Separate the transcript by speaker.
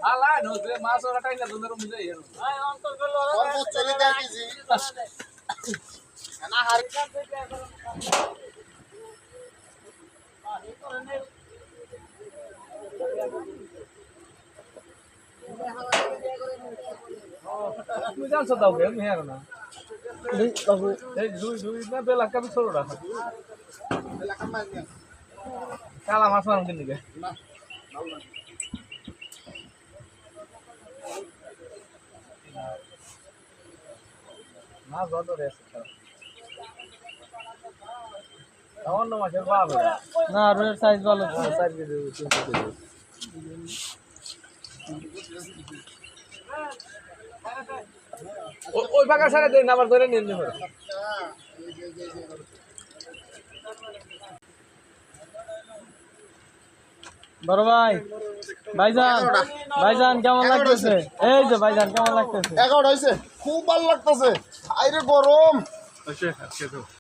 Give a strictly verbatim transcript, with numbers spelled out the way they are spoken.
Speaker 1: আলা নজরে মাছ ওরা টাইনা ধরে মুজে এর আয় অন্তর গেল
Speaker 2: সর্বোচ্চ চলে দেয় কেজি না হার
Speaker 1: তুমি জানছো দাও কে মেয়ার না বাবু এই দুই দুই না বেলা কাবি ছোট রাখা
Speaker 2: বেলা কাম মার নিয়া
Speaker 1: কালা মাছ মারুন কিন দিকে
Speaker 2: না
Speaker 1: মাছ বড় রেছে অন্য মাছের পাবে না রুইয়ের সাইজ ভালো সাইজ কেজি তিনশো কেজি ওই ফাঁকা সারা দিন আবার ধরে নিয়ে নিবে বড় ভাই ভাইজান ভাইজান কেমন লাগতেছে এই যে ভাইজান কেমন লাগতেছে
Speaker 2: এগারোটা হইছে খুব ভালো লাগতেছে আইরে গরম
Speaker 1: আচ্ছা আচ্ছা